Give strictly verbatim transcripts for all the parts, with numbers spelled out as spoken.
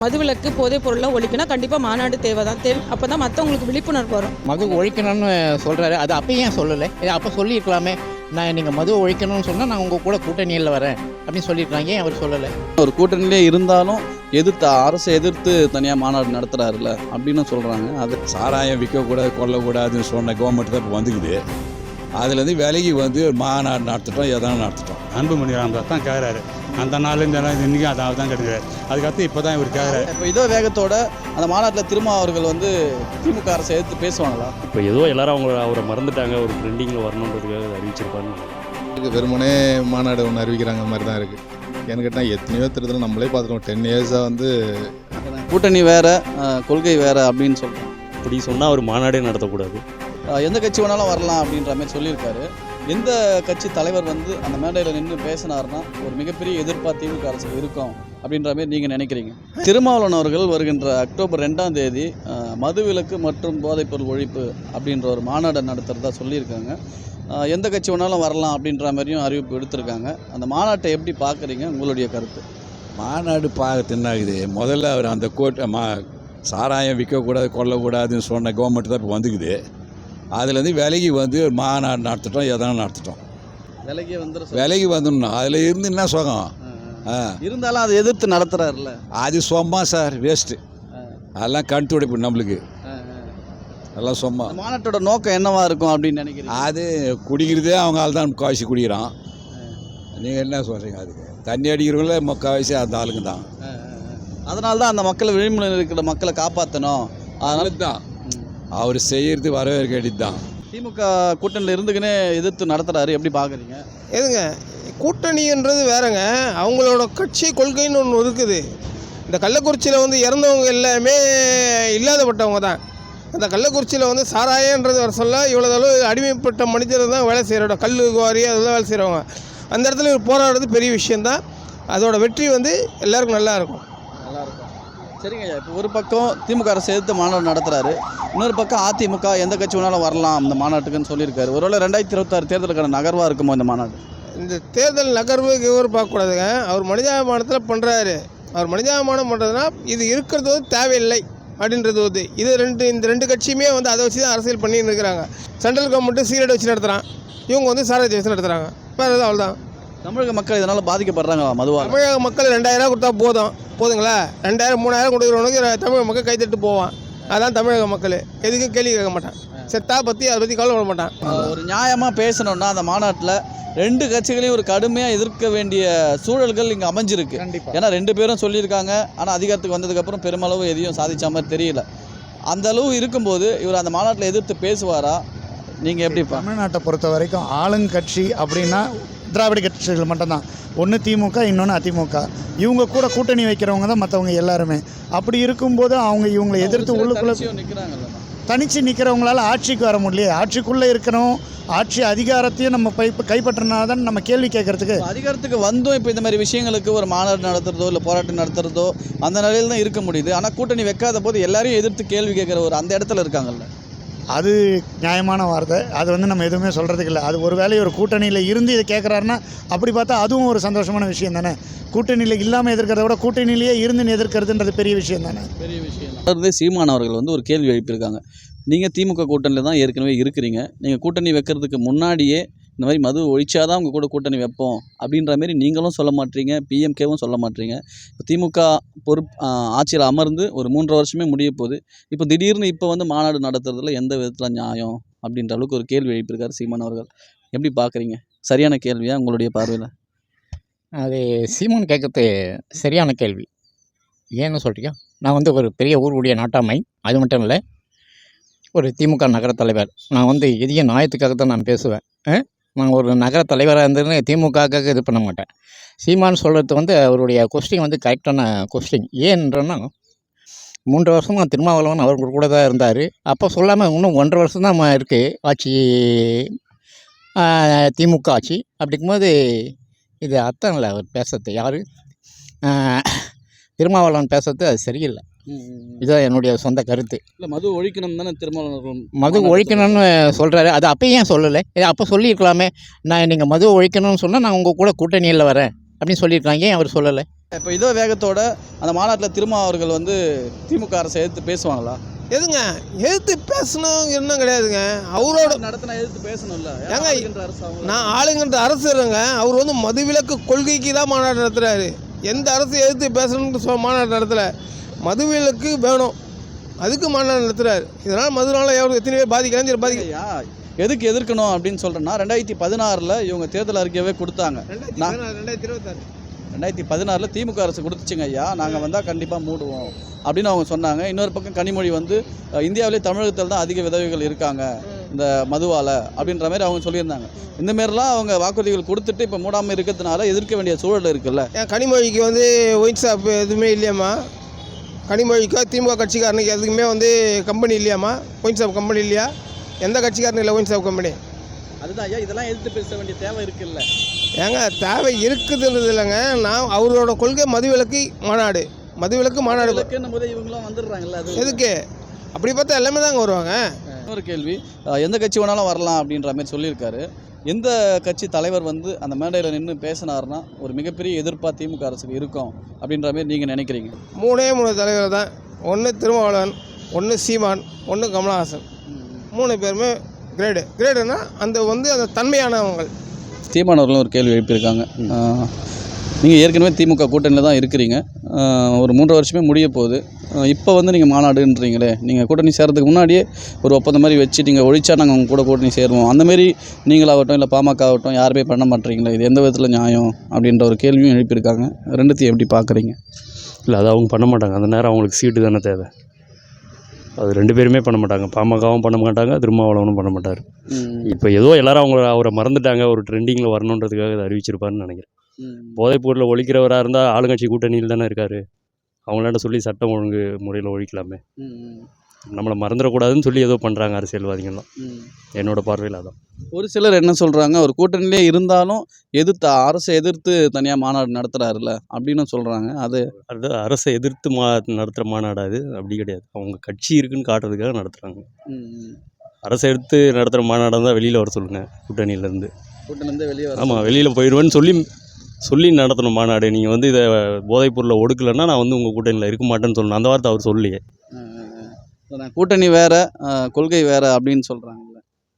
மதுவிலக்கு போதைப் பொருளை ஒழிக்கணும், கண்டிப்பாக மாநாடு தேவை தான். தேவை அப்போ தான் மற்றவங்களுக்கு விழிப்புணர்வு வரும். மது ஒழிக்கணும்னு சொல்கிறாரு, அது அப்போ ஏன் சொல்லலை? அப்போ சொல்லியிருக்கலாமே. நான் நீங்கள் மது ஒழிக்கணும்னு சொன்னால் நான் உங்கள் கூட கூட்டணியில் வரேன் அப்படின்னு சொல்லியிருக்காங்க, ஏன் அவர் சொல்லலை? ஒரு கூட்டணியிலே இருந்தாலும் எதிர்த்து அரசை எதிர்த்து தனியாக மாநாடு நடத்துகிறாருல அப்படின்னு சொல்கிறாங்க. அது சாராயம் விற்கக்கூடாது, கொல்லக்கூடாதுன்னு சொன்ன கவர்மெண்ட் தான் இப்போ வந்துக்குது. அதுலேருந்து விலகி வந்து மாநாடு நடத்திட்டோம், எதாவது நடத்திட்டோம். அன்புமணி ராமதாஸ் தான் கேட்குறாரு. அந்த நாள் இந்த நாள் இன்றைக்கும் அதாவது தான் கிடைக்கிறாரு. அதுக்கடுத்து இப்போ தான் இவர் கேட்குறாரு. இப்போ இதோ வேகத்தோட அந்த மாநாட்டில் திரும்ப அவர்கள் வந்து திமுக அரசை எதிர்த்து பேசுவாங்களா? இப்போ ஏதோ எல்லாரும் அவங்க அவரை மறந்துட்டாங்க, ஒரு ட்ரெண்டிங்கில் வரணுன்றதுக்காக அறிவிச்சிருப்பாருன்னு. வெறுமனே மாநாடு ஒன்று அறிவிக்கிறாங்க மாதிரி தான் இருக்குது. ஏன்னு கேட்டால் எத்தனையோ திருத்தல் நம்மளே பார்த்துருக்கோம். டென் இயர்ஸாக வந்து கூட்டணி வேறு கொள்கை வேறு அப்படின்னு சொல்கிறோம். இப்படி சொன்னால் அவர் மாநாடே நடத்தக்கூடாது, எந்த கட்சி வேணாலும் வரலாம் அப்படின்ற மாதிரி சொல்லியிருக்காரு. எந்த கட்சி தலைவர் வந்து அந்த மேடையில் நின்று பேசினார்னா ஒரு மிகப்பெரிய எதிர்ப்பாக திமுக அரசுக்கு இருக்கும் அப்படின்ற மாதிரி நீங்கள் நினைக்கிறீங்க? திருமாவளவன் அவர்கள் வருகின்ற அக்டோபர் ரெண்டாம் தேதி மதுவிலக்கு மற்றும் போதைப்பொருள் ஒழிப்பு அப்படின்ற ஒரு மாநாடு நடத்துகிறதா சொல்லியிருக்காங்க. எந்த கட்சி வேணாலும் வரலாம் அப்படின்ற மாதிரியும் அறிவிப்பு எடுத்திருக்காங்க. அந்த மாநாட்டை எப்படி பார்க்குறீங்க, உங்களுடைய கருத்து? மாநாடு பார்க்க தின்னாகுது. முதல்ல அவர் அந்த கோட்டை மா சாராயம் விற்கக்கூடாது, கொல்லக்கூடாதுன்னு சொன்ன கவர்மெண்ட் தான் இப்போ வந்துக்குது. அதுலேருந்து விலகி வந்து மாநாடு நடத்திட்டோம், எதனா நடத்திட்டோம். விலகி வந்து விலகி வந்துடணும். அதில் இருந்து என்ன சுகம்? இருந்தாலும் அதை எதிர்த்து நடத்துகிறாருல்ல, அது சும்மா சார், வேஸ்ட்டு. அதெல்லாம் கண் துடைப்பு நம்மளுக்கு, அதெல்லாம் சும்மா. மாநாட்டோட நோக்கம் என்னவா இருக்கும் அப்படின்னு நினைக்கிறீங்க? அது குடிக்கிறதே அவங்க ஆள் தான் முக்கால்வாசி குடிக்கிறான். நீங்கள் என்ன சொல்கிறீங்க? அதுக்கு தண்ணி அடிக்கிறவங்களே முக்கால்வாசி அந்த ஆளுங்க தான். அதனால தான் அந்த மக்களை விழிப்புணர்வு இருக்கிற மக்களை காப்பாற்றணும். அதனால தான் அவர் செய்கிறது வரவேற்க வேண்டியது தான். திமுக கூட்டணியில் இருந்துக்குன்னே எதிர்த்து நடத்துகிறாரு, எப்படி பார்க்குறீங்க? எதுங்க கூட்டணின்றது வேறங்க, அவங்களோட கட்சி கொள்கைன்னு ஒன்று இருக்குது. இந்த கள்ளக்குறிச்சியில் வந்து இறந்தவங்க எல்லாமே இல்லாதப்பட்டவங்க தான். அந்த கள்ளக்குறிச்சியில் வந்து சாராயன்றது வர சொல்ல இவ்வளோ அளவு அடிமைப்பட்ட மனிதர் தான் வேலை செய்கிறோட, கல் குவாரி அதெல்லாம் வேலை செய்கிறவங்க. அந்த இடத்துல இவர் போராடுறது பெரிய விஷயந்தான். அதோட வெற்றி வந்து எல்லாருக்கும் நல்லா இருக்கும். நல்லாயிருக்கும். சரிங்க ஐயா, இப்போ ஒரு பக்கம் திமுக அரசு எதிர்த்து மாநாடு நடத்துகிறாரு, இன்னொரு பக்கம் அதிமுக எந்த கட்சி வேணாலும் வரலாம் இந்த மாநாட்டுக்குன்னு சொல்லியிருக்காரு. ஒருவேளை ரெண்டாயிரத்தி இருபத்தாறு தேர்தலுக்கான நகர்வாக இருக்குமோ இந்த மாநாடு? இந்த தேர்தல் நகர்வு இவர் பார்க்கக்கூடாதுங்க. அவர் மனிதாபிமானத்தில் பண்ணுறாரு. அவர் மனிதாபிமானம் பண்ணுறதுனா இது இருக்கிறது வந்து தேவையில்லை அப்படின்றது வந்து இது ரெண்டு இந்த ரெண்டு கட்சியுமே வந்து அதை வச்சு தான் அரசியல் பண்ணின்னு இருக்கிறாங்க. சென்ட்ரல் கவர்மெண்ட்டு சீரட் வச்சு நடத்துகிறான், இவங்க வந்து சாராயத்தை வச்சு நடத்துகிறாங்க. வேறு எதுவும் அவ்வளோதான். தமிழக மக்கள் இதனால் பாதிக்கப்படுறாங்க மதுவாக? தமிழக மக்கள் ரெண்டாயிரம் கொடுத்தா போதும் போதுங்களா? ரெண்டாயிரம் மூணாயிரம் கொடுக்குறவனுக்கு தமிழக மக்கள் கைத்தட்டு போவான். அதான் தமிழக மக்கள். எதுக்கும் கேள்வி கேட்க மாட்டான். செத்தா பற்றி அதை பற்றி கவலைப்பட மாட்டான். ஒரு நியாயமாக பேசணுன்னா அந்த மாநாட்டில் ரெண்டு கட்சிகளையும் ஒரு கடுமையாக எதிர்க்க வேண்டிய சூழல்கள் இங்கே அமைஞ்சிருக்கு. ஏன்னா ரெண்டு பேரும் சொல்லியிருக்காங்க, ஆனால் அதிகாரத்துக்கு வந்ததுக்கப்புறம் பெருமளவு எதையும் சாதித்த மாதிரி தெரியல. அந்த அளவு இருக்கும்போது இவர் அந்த மாநாட்டில் எதிர்த்து பேசுவாரா? நீங்கள் எப்படி? தமிழ்நாட்டை பொறுத்த வரைக்கும் ஆளுங்கட்சி அப்படின்னா திராவிட கட்சிகள் மட்டும்தான். ஒன்று திமுக, இன்னொன்று அதிமுக. இவங்க கூட கூட்டணி வைக்கிறவங்க தான் மற்றவங்க எல்லாருமே. அப்படி இருக்கும்போது அவங்க இவங்களை எதிர்த்து உள்ளுக்குள்ளே தனித்து நிற்கிறவங்களால ஆட்சிக்கு வர முடியல. ஆட்சிக்குள்ளே இருக்கிறோம், ஆட்சி அதிகாரத்தையும் நம்ம பை கைப்பற்றினா தான் நம்ம கேள்வி கேட்கறதுக்கு. அதிகாரத்துக்கு வந்தும் இப்போ இந்த மாதிரி விஷயங்களுக்கு ஒரு மாநாடு நடத்துறதோ இல்லை போராட்டம் நடத்துறதோ அந்த நிலையில் தான் இருக்க முடியுது. ஆனால் கூட்டணி வைக்காத போது எல்லாரையும் எதிர்த்து கேள்வி கேட்குற ஒரு அந்த இடத்துல இருக்காங்கல்ல, அது நியாயமான வார்த்தை. அது வந்து நம்ம எதுவுமே சொல்கிறதுக்கு இல்லை. அது ஒரு வேளை ஒரு கூட்டணியில் இருந்து இதை கேட்குறாருன்னா அப்படி பார்த்தா அதுவும் ஒரு சந்தோஷமான விஷயம் தானே. கூட்டணியில் இல்லாமல் எதிர்க்கிறத விட கூட்டணியிலேயே இருந்து எதிர்க்கிறதுன்றது பெரிய விஷயம் தானே. பெரிய விஷயம் தான். சீமான் அவர்கள் வந்து ஒரு கேள்வி எழுப்பியிருக்காங்க. நீங்கள் திமுக கூட்டணியில் தான் ஏற்கனவே இருக்கிறீங்க, நீங்கள் கூட்டணி வைக்கிறதுக்கு முன்னாடியே இந்த மாதிரி மது ஒழிச்சாதான் உங்கள் கூட கூட்டணி வைப்போம் அப்படின்ற மாரி நீங்களும் சொல்ல மாட்டீங்க, பிஎம்கேவும் சொல்ல மாட்டீங்க. இப்போ திமுக பொறுப்பு ஆட்சியில் அமர்ந்து ஒரு மூன்றரை வருஷமே முடிய போகுது. இப்போ திடீர்னு இப்போ வந்து மாநாடு நடத்துறதுல எந்த விதத்தில் நியாயம் அப்படின்ற அளவுக்கு ஒரு கேள்வி எழுப்பியிருக்காரு சீமான் அவர்கள். எப்படி பார்க்குறீங்க? சரியான கேள்வியா உங்களுடைய பார்வையில்? அது சீமான் கேட்கறது சரியான கேள்வி. ஏன்னு சொல்கிறீங்க? நான் வந்து ஒரு பெரிய ஊருடைய நாட்டாமை, அது மட்டும் இல்லை ஒரு திமுக நகர தலைவர். நான் வந்து எதையும் நியாயத்துக்காக தான் நான் பேசுவேன். நான் ஒரு நகர தலைவராக இருந்ததுன்னு திமுகவுக்காக இது பண்ண மாட்டேன். சீமான் சொல்கிறது வந்து அவருடைய கொஸ்டின் வந்து கரெக்டான கொஸ்டின். ஏன்றன்னா மூன்று வருஷமாக திருமாவளவன் அவர் கூட தான் இருந்தார். அப்போ சொல்லாமல் இன்னும் ஒன்றரை வருஷம் தான் இருக்குது ஆட்சி, திமுக ஆட்சி. அப்படிங்கும்போது இது அர்த்தம் இல்லை அவர் பேசுறது. யார் திருமாவளவன் பேசுறது அது சரியில்லை. இதுதான் என்னுடைய சொந்த கருத்து. இல்லை மது ஒழிக்கணும் தானே திருமாவளவன் மது ஒழிக்கணும்னு சொல்கிறாரு, அது அப்போ ஏன் சொல்லலை? அப்போ சொல்லியிருக்கலாமே. நான் நீங்கள் மது ஒழிக்கணும்னு சொன்னால் நான் உங்கள் கூட கூட்டணியில் வரேன் அப்படின்னு சொல்லியிருக்காங்க, ஏன் அவர் சொல்லலை? இப்போ இதோ வேகத்தோட அந்த மாநாட்டில் திரும்ப அவர்கள் வந்து திமுக அரசை எதிர்த்து பேசுவாங்களா? எதுங்க எதிர்த்து பேசணும் இன்னும் கிடையாதுங்க. அவரோட நடத்தினா எதிர்த்து பேசணும்ல. ஏங்க, அரசு அவங்க நான் ஆளுங்கன்ற அரசு இருங்க. அவர் வந்து மதுவிலக்கு கொள்கைக்கு தான் மாநாடு நடத்துகிறாரு. எந்த அரசு எதிர்த்து பேசணும்னு சொ மாநாடு நடத்தலை. மதுவிலக்கு வேணும், அதுக்கு மாநாடு நடத்துகிறாரு. இதனால் மதுனால எவ்வளோ எத்தனை பேர் பாதிக்கலாம் சரி பாதிக்க ஐயா எதுக்கு எதிர்க்கணும் அப்படின்னு சொல்கிறேன்னா, ரெண்டாயிரத்தி பதினாறில் இவங்க தேர்தல் அறிக்கையவே கொடுத்தாங்க. ரெண்டாயிரத்தி இருபத்தாறு ரெண்டாயிரத்தி பதினாறில் திமுக அரசு கொடுத்துச்சுங்க ஐயா, நாங்கள் வந்தால் கண்டிப்பாக மூடுவோம் அப்படின்னு அவங்க சொன்னாங்க. இன்னொரு பக்கம் கனிமொழி வந்து இந்தியாவிலே தமிழகத்தில் தான் அதிக விதவைகள் இருக்காங்க இந்த மதுவால் அப்படின்ற மாதிரி அவங்க சொல்லியிருந்தாங்க. இந்தமாரிலாம் அவங்க வாக்குறுதிகள் கொடுத்துட்டு இப்போ மூடாமல் இருக்கிறதுனால எதிர்க்க வேண்டிய சூழல் இருக்குல்ல. ஏன் கனிமொழிக்கு வந்து ஒயின் ஷாப் எதுவுமே இல்லையாம்மா? கனிமொழிக்கோ திமுக கட்சிக்காரனுக்கு எதுக்குமே வந்து கம்பெனி இல்லையாம்மா? ஒயின் ஷாப் கம்பெனி இல்லையா? எந்த கட்சிக்காரனும் இல்லை ஒயின் ஷாப் கம்பெனி. அதுதான் ஐயா, இதெல்லாம் எதிர்த்து பேச வேண்டிய தேவை இருக்குல்ல. ஏங்க தேவை இருக்குதுன்றது இல்லைங்க. நான் அவரோட கொள்கை மதுவிலக்கு மாநாடு, மதுவிலக்கு மாநாடு போது இவங்களாம் வந்துடுறாங்கல்ல. அது எதுக்கு? அப்படி பார்த்தா எல்லாமே தாங்க வருவாங்க. இன்னொரு கேள்வி, எந்த கட்சி வேணாலும் வரலாம் அப்படின்ற மாதிரி சொல்லியிருக்காரு. எந்த கட்சி தலைவர் வந்து அந்த மேடையில் நின்று பேசினார்னா ஒரு மிகப்பெரிய எதிர்ப்பாக திமுக அரசுக்கு இருக்கும் அப்படின்ற மாதிரி நீங்கள் நினைக்கிறீங்க? மூணே மூணு தலைவர் தான். ஒன்று திருமாவளவன், ஒன்று சீமான், ஒன்று கமலஹாசன். மூணு பேருமே கிரேடு. கிரேடுன்னா அந்த வந்து அந்த தன்மையானவங்க. சீமானவர்களும் ஒரு கேள்வி எழுப்பியிருக்காங்க. நீங்கள் ஏற்கனவே திமுக கூட்டணியில் தான் இருக்கிறீங்க, ஒரு மூன்று வருஷமே முடிய போகுது. இப்போ வந்து நீங்கள் மாநாடுன்றீங்களே, நீங்கள் கூட்டணி சேர்றதுக்கு முன்னாடியே ஒரு ஒப்பந்தம் மாதிரி வச்சு நீங்கள் ஒழிச்சா நாங்கள் உங்கள் கூட கூட்டணி சேருவோம், அந்தமாரி நீங்களாகட்டும் இல்லை பாமக ஆகட்டும் யாருமே பண்ண மாட்டீங்களே, இது எந்த விதத்தில் நியாயம் அப்படின்ற ஒரு கேள்வியும் எழுப்பியிருக்காங்க. ரெண்டுத்தையும் எப்படி பார்க்குறீங்க? இல்லை, அது அவங்க பண்ண மாட்டாங்க. அந்த நேரம் அவங்களுக்கு சீட்டு தானே தேவை. அது ரெண்டு பேருமே பண்ண மாட்டாங்க. பாமகவும் பண்ண மாட்டாங்க, திருமாவளவனும் பண்ண மாட்டார். இப்போ ஏதோ எல்லாரும் அவங்க அவரை மறந்துட்டாங்க, ஒரு ட்ரெண்டிங்கில் வரணுன்றதுக்காக அதை அறிவிச்சிருப்பாருன்னு நினைக்கிறேன். போதைப்பொருளை ஒழிக்கிறவராக இருந்தால் ஆளுங்கட்சி கூட்டணியில் தானே இருக்கார். அவங்களாண்ட சொல்லி சட்டம் ஒழுங்கு முறையில் ஒழிக்கலாமே. நம்மளை மறந்துடக்கூடாதுன்னு சொல்லி ஏதோ பண்ணுறாங்க அரசியல்வாதிகள்லாம். என்னோட பார்வையில் அதான். ஒரு சிலர் என்ன சொல்கிறாங்க, ஒரு கூட்டணியிலே இருந்தாலும் எதிர்த்து அரசை எதிர்த்து தனியாக மாநாடு நடத்துகிறாருல அப்படின்னு சொல்கிறாங்க. அது அது அரசை எதிர்த்து மா நடத்துகிற மாநாடு அது அப்படி கிடையாது. அவங்க கட்சி இருக்குன்னு காட்டுறதுக்காக நடத்துகிறாங்க. அரசை எடுத்து நடத்துகிற மாநாடாக தான் வெளியில் வர சொல்லுங்கள் கூட்டணியிலேருந்து. கூட்டணிலேருந்து வெளியே ஆமாம், வெளியில் போயிடுவேன்னு சொல்லி சொல்லி நடத்தணும் மாநாடு. நீங்கள் வந்து இதை போதைப்பொருளை ஒடுக்கலைன்னா நான் வந்து உங்கள் கூட்டணியில் இருக்க மாட்டேன்னு சொல்லணும். அந்த வார்த்தை அவர் சொல்லியே. கூட்டணி வேறு கொள்கை வேறு அப்படின்னு சொல்கிறாங்கல்ல.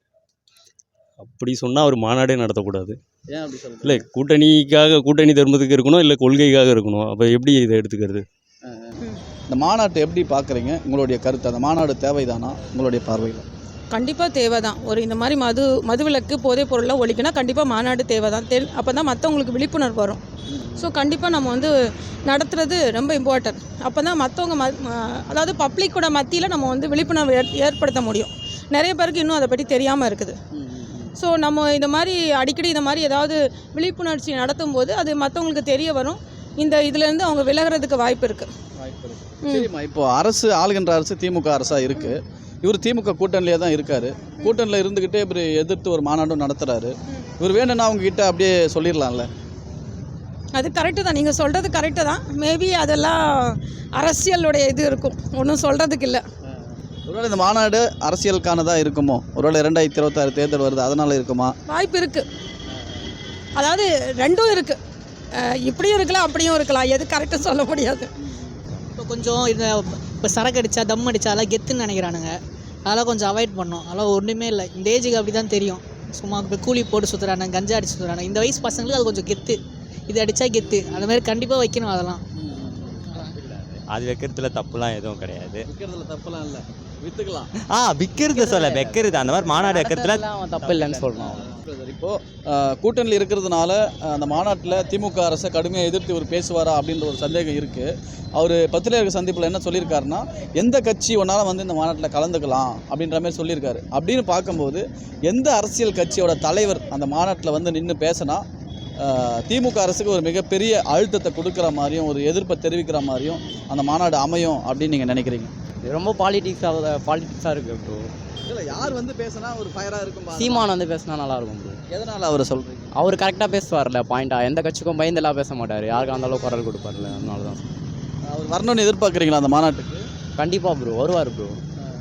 அப்படி சொன்னால் அவர் மாநாடே நடத்தக்கூடாது. ஏன் அப்படி சொல்லுங்கள்? இல்லை, கூட்டணிக்காக கூட்டணி தர்மத்துக்கு இருக்கணும், இல்லை கொள்கைக்காக இருக்கணும். அப்போ எப்படி இதை எடுத்துக்கிறது? இந்த மாநாட்டை எப்படி பார்க்குறீங்க? உங்களுடைய கருத்து, அந்த மாநாடு தேவைதானா உங்களுடைய பார்வையில்? கண்டிப்பாக தேவை தான். ஒரு இந்த மாதிரி மது மதுவிலக்கு போதைப் பொருளை ஒழிக்கணும், கண்டிப்பாக மாநாடு தேவை தான். தெ அப்போ தான் மற்றவங்களுக்கு விழிப்புணர்வு வரும். ஸோ கண்டிப்பாக நம்ம வந்து நடத்துகிறது ரொம்ப இம்பார்ட்டன்ட். அப்போ தான் மற்றவங்க ம அதாவது பப்ளிக்கோட மத்தியில் நம்ம வந்து விழிப்புணர்வு ஏற் ஏற்படுத்த முடியும். நிறைய பேருக்கு இன்னும் அதை பற்றி தெரியாமல் இருக்குது. ஸோ நம்ம இந்த மாதிரி அடிக்கடி இந்த மாதிரி ஏதாவது விழிப்புணர்ச்சி நடத்தும் போது அது மற்றவங்களுக்கு தெரிய வரும். இந்த இதுலேருந்து அவங்க விலகிறதுக்கு வாய்ப்பு இருக்குது. வாய்ப்பு இருக்குது. சரிம்மா, இப்போ அரசு ஆளுகின்ற அரசு திமுக அரசாக இருக்குது. இவர் திமுக கூட்டணியிலே தான் இருக்கார். கூட்டணியில் இருந்துக்கிட்டே இப்படி எதிர்த்து ஒரு மாநாடும் நடத்துகிறாரு. இவர் வேணும்னா அவங்ககிட்ட அப்படியே சொல்லிடலாம்ல. அது கரெக்டு தான், நீங்கள் சொல்கிறது கரெக்டு தான். மேபி அதெல்லாம் அரசியலுடைய இது இருக்கும், ஒன்றும் சொல்கிறதுக்கு இல்லை. ஒருவேளை இந்த மாநாடு அரசியலுக்கானதாக இருக்குமோ? ஒருவேளை இரண்டாயிரத்தி இருபத்தாறு தேர்தல் வருது, அதனால் இருக்குமா? வாய்ப்பு இருக்குது. அதாவது ரெண்டும் இருக்குது, இப்படியும் இருக்கலாம் அப்படியும் இருக்கலாம். எது கரெக்டாக சொல்ல முடியாது. இப்போ கொஞ்சம் இந்த இப்போ சரக்கு அடித்தா தம் அடித்தா அதெல்லாம் கெத்துன்னு நினைக்கிறானுங்க. அதெல்லாம் கொஞ்சம் அவாய்ட் பண்ணோம். அதெல்லாம் ஒன்றுமே இல்லை. இந்த ஏஜுக்கு அப்படி தான் தெரியும். சும்மா இப்போ கூலி போட்டு சுற்றுறாங்க, கஞ்சா அடிச்சு சுற்றுறாங்க. இந்த வயசு பசங்களுக்கு அது கொஞ்சம் கெத்து, இது அடித்தா கெத்து. அந்த மாதிரி கண்டிப்பாக வைக்கணும். அதெல்லாம் அது வைக்கிறதுல தப்புலாம் எதுவும் கிடையாது. விற்கிறதுல தப்புலாம் இல்லை, விற்றுக்கலாம். ஆ விற்கிறது சொல்ல வைக்கிறது அந்த மாதிரி மாநாடு வைக்கிறதுல தப்பு இல்லைன்னு சொல்லணும். இப்போது கூட்டணியில் இருக்கிறதுனால அந்த மாநாட்டில் திமுக அரசை கடுமையாக எதிர்த்து இவர் பேசுவாரா அப்படின்ற ஒரு சந்தேகம் இருக்குது. அவர் பத்திரிகை சந்திப்பில் என்ன சொல்லியிருக்காருன்னா, எந்த கட்சி ஒன்றாலும் வந்து இந்த மாநாட்டில் கலந்துக்கலாம் அப்படின்ற மாதிரி சொல்லியிருக்காரு. அப்படின்னு பார்க்கும்போது எந்த அரசியல் கட்சியோட தலைவர் அந்த மாநாட்டில் வந்து நின்று பேசினா திமுக அரசுக்கு ஒரு மிகப்பெரிய அழுத்தத்தை கொடுக்குற மாதிரியும் ஒரு எதிர்ப்பை தெரிவிக்கிற மாதிரியும் அந்த மாநாடு அமையும் அப்படின்னு நீங்கள் நினைக்கிறீங்க? ரொம்ப பாலிடிக்ஸாக பாலிடிக்ஸாக இருக்குது ப்ரோ. இல்லை, யார் வந்து பேசினா ஒரு ஃபயராக இருக்கும்? சீமான் வந்து பேசினா நல்லாயிருக்கும் ப்ரோ. எதனால் அவரை சொல்கிறீங்க? அவர் கரெக்டாக பேசுவார்ல, பாயிண்ட்டாக. எந்த கட்சிக்கும் பயந்தெல்லாம் பேச மாட்டார். யாருக்கும் அந்த அளவுக்கு குரல் கொடுப்பார்ல, அதனால தான். அவர் வரணும்னு எதிர்பார்க்குறீங்களா அந்த மாநாட்டுக்கு? கண்டிப்பாக ப்ரோ வருவார் ப்ரோ.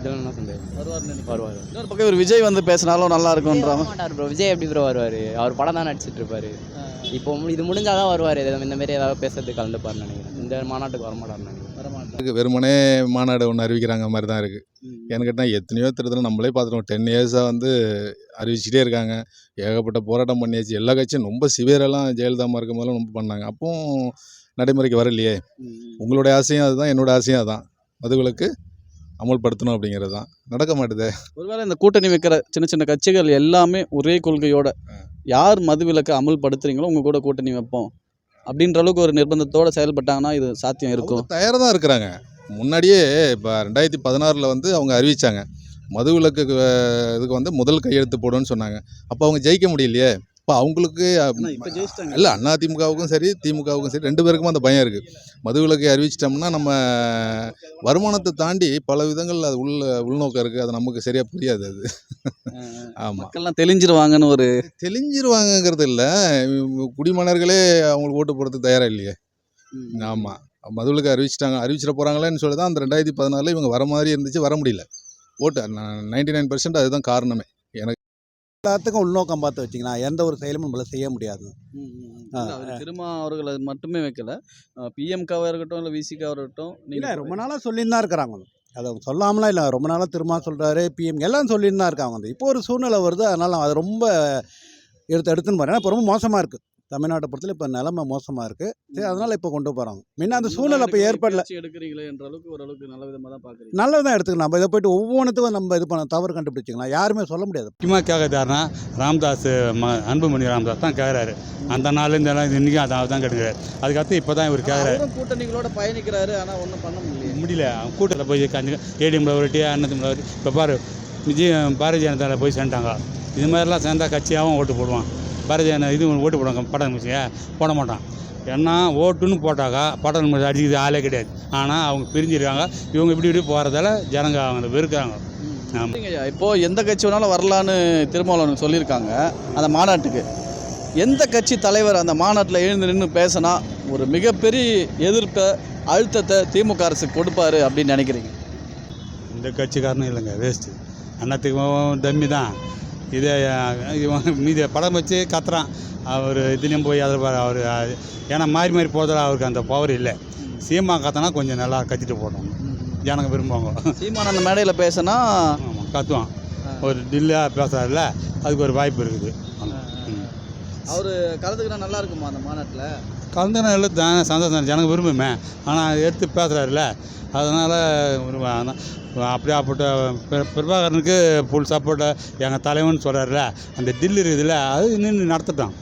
இதெல்லாம் என்ன சொல்றது வருவார்னு வருவார் இன்னொரு பக்கம் இவர் விஜய் வந்து பேசினாலும் நல்லா இருக்கும்ன்றாங்க. மாட்டார் ப்ரோ. விஜய் எப்படி ப்ரோ வருவார்? அவர் படம் தான் நடிச்சிட்டு இருப்பாரு. இப்போ மு- இது முடிஞ்சாதான் வருவார். இந்த மாதிரி ஏதாவது பேசுறதுக்கு கலந்துப்பாருன்னு நினைக்கிறேன். இந்த மாநாட்டுக்கு வரமாட்டாருன்னு நினைக்கிறேன். வரமாட்டாங்க. வெறுமனே மாநாடு ஒன்று அறிவிக்கிறாங்க மாதிரி தான் இருக்குது. ஏன்னு கேட்டால் எத்தனையோ தேர்தல் நம்மளே பார்த்துருவோம். டென் இயர்ஸாக வந்து அறிவிச்சிட்டே இருக்காங்க. ஏகப்பட்ட போராட்டம் பண்ணியாச்சு. எல்லா கட்சியும் ரொம்ப சிவியரெல்லாம் ஜெயலலிதாமா இருக்கும் போதெல்லாம் ரொம்ப பண்ணாங்க. அப்பவும் நடைமுறைக்கு வரலையே. உங்களுடைய ஆசையும் அதுதான், என்னோட ஆசையும் அதுதான். மதுவிலக்கு அமல்படுத்தணும் அப்படிங்கிறது தான். நடக்க மாட்டுதே. ஒருவேளை இந்த கூட்டணி வைக்கிற சின்ன சின்ன கட்சிகள் எல்லாமே ஒரே கொள்கையோட யார் மதுவிலக்கை அமல்படுத்துறீங்களோ உங்க கூட கூட்டணி வைப்போம் அப்படின்ற அளவுக்கு ஒரு நிர்பந்தத்தோட செயல்பட்டாங்கன்னா இது சாத்தியம் இருக்கும். தயாராக தான் இருக்கிறாங்க. முன்னாடியே இப்போ ரெண்டாயிரத்தி பதினாறில் வந்து அவங்க அறிவித்தாங்க மதுவிலக்கு அஹ், இதுக்கு வந்து முதல் கையெழுத்து போடுன்னு சொன்னாங்க. அப்போ அவங்க ஜெயிக்க முடியலையே. இப்போ அவங்களுக்கு இப்போ ஜெயிச்சிட்டாங்க. இல்லை அதிமுகவுக்கும் சரி திமுகவுக்கும் சரி ரெண்டு பேருக்கும் அந்த பயம் இருக்குது. மதுவிலக்கை அறிவிச்சிட்டோம்னா நம்ம வருமானத்தை தாண்டி பல விதங்கள் அது உள்ள உள்நோக்கம் இருக்குது. அது நமக்கு சரியாக புரியாது அது. ஆமாம், மக்கள்லாம் தெளிஞ்சிருவாங்கன்னு ஒரு தெளிஞ்சிருவாங்கங்கிறது இல்லை. குடிமன்னர்களே அவங்களுக்கு ஓட்டு போடுறதுக்கு தயாராக இல்லையே. ஆமாம், மதுவிலக்கு அறிவிச்சிட்டாங்க. அறிவிச்சிட போகிறாங்களேன்னு சொல்லி தான் அந்த ரெண்டாயிரத்தி பதினாலில் இவங்க வர மாதிரி இருந்துச்சு. வர முடியல. ஓட்டு நைன்டி நைன் பர்சன்ட் அதுதான் காரணமே. எனக்கு எல்லாத்துக்கும் உள்நோக்கம் பார்த்து வச்சிங்கன்னா எந்த ஒரு செயலும் நம்மளால் செய்ய முடியாது. திருமா அவர்கள் அது மட்டுமே வைக்கல. பிஎம்காவாக இருக்கட்டும் இல்லை விசிகாவாக இருக்கட்டும் இல்லை நீங்கள் ரொம்ப நாளாக சொல்லின்னு தான் இருக்கிறாங்க. அதை அவங்க சொல்லாமலாம் இல்லை. ரொம்ப நாளாக திரும்ப சொல்கிறாரு பிஎம் எல்லாம் சொல்லின்னு தான் இருக்காங்க. வந்து இப்போ ஒரு சூழ்நிலை வருது. அதனால் அது ரொம்ப எடுத்து எடுத்துன்னு போகிறேன். இப்போ ரொம்ப மோசமாக இருக்குது. தமிழ்நாட்டை பொறுத்தல இப்போ நிலைமை மோசமாக இருக்குது. சரி, அதனால் இப்போ கொண்டு போகிறாங்க. முன்ன அந்த சூழ்நிலை இப்போ ஏற்படல. எடுக்கிறீங்களே என்ற அளவுக்கு ஓரளவுக்கு நல்ல விதமாக தான் பார்க்குறீங்க. நல்லது தான் எடுத்துக்கலாம். நம்ம இதை போய்ட்டு ஒவ்வொன்றுத்துக்கும் நம்ம இது பண்ண தவறு கண்டுபிடிச்சிக்கலாம். யாருமே சொல்ல முடியாது. முக்கியமாக கேட்குறாருன்னா ராமதாஸ் ம அன்புமணி ராமதாஸ் தான் கேட்குறாரு. அந்த நாள் இந்த நாள் இன்றைக்கும் அதை தான் கேட்குறாரு. அதுக்கடுத்து இப்போ தான் இவர் கேட்குறாரு. அவரும் கூட்டணிகளோட பயணிக்கிறாரு. ஆனால் ஒன்றும் பண்ண முடியல. முடியல. கூட்டத்தில் போய் கஞ்சி ஏடிஎம்ல ஒரு டி அண்ணத்துல ஒரு இப்போ பாரு விஜய் பாரதிய ஜனதாவில் போய் சேர்ந்துட்டாங்க. இது மாதிரிலாம் சேர்ந்தா கட்சியாகவும் ஓட்டு போடுவான். பாரதிய ஜனதா இது ஓட்டு போடுவாங்க. படம் மிஷிய போட மாட்டான். ஏன்னா ஓட்டுன்னு போட்டாக்கா படம் மிஷின் அடிக்கிறது ஆளே கிடையாது. ஆனால் அவங்க பிரிஞ்சிருக்காங்க. இவங்க இப்படி இப்படி போகிறதால ஜனங்க அவங்க வெறுக்கிறாங்க. ஆமாம், சரிங்கய்யா, இப்போது எந்த கட்சி வேணாலும் வரலான்னு திருமாவளவன் சொல்லியிருக்காங்க அந்த மாநாட்டுக்கு. எந்த கட்சி தலைவர் அந்த மாநாட்டில் எழுந்து நின்று பேசினா ஒரு மிகப்பெரிய எதிர்ப்பை அழுத்தத்தை திமுக அரசுக்கு கொடுப்பாரு அப்படின்னு நினைக்கிறீங்க? இந்த கட்சிக்காரனும் இல்லைங்க, வேஸ்ட்டு. அண்ணத்துக்கும் தம்மி தான். இதே இவன் மீதி படம் வச்சு கத்துறான். அவர் இதுலேயும் போய் அதை அவர் ஏன்னா மாறி மாறி போகிறதால அவருக்கு அந்த பவர் இல்லை. சீமா கத்தனா கொஞ்சம் நல்லா கத்திட்டு போடுவாங்க. ஜனங்க விரும்புவாங்க. சீமான் அந்த மேடையில் பேசினா ஆமாம், கத்துவான். ஒரு டில்லாக பேசுகிறாருல அதுக்கு ஒரு வாய்ப்பு இருக்குது. அவர் கலந்துக்கினா நல்லா இருக்குமா அந்த மாநாட்டில்? கலந்துனா இல்லை தான் சந்தோஷம். ஜனங்க விரும்புமே. ஆனால் எடுத்து பேசுகிறாருல அதனால் அப்படியே அப்பட்ட பிரபாகரனுக்கு ஃபுல் சப்போர்ட்டை எங்கள் தலைவன் சொல்கிறாருல அந்த டில்லு இருக்குதுல்ல அது நின்று நடத்தட்டும்.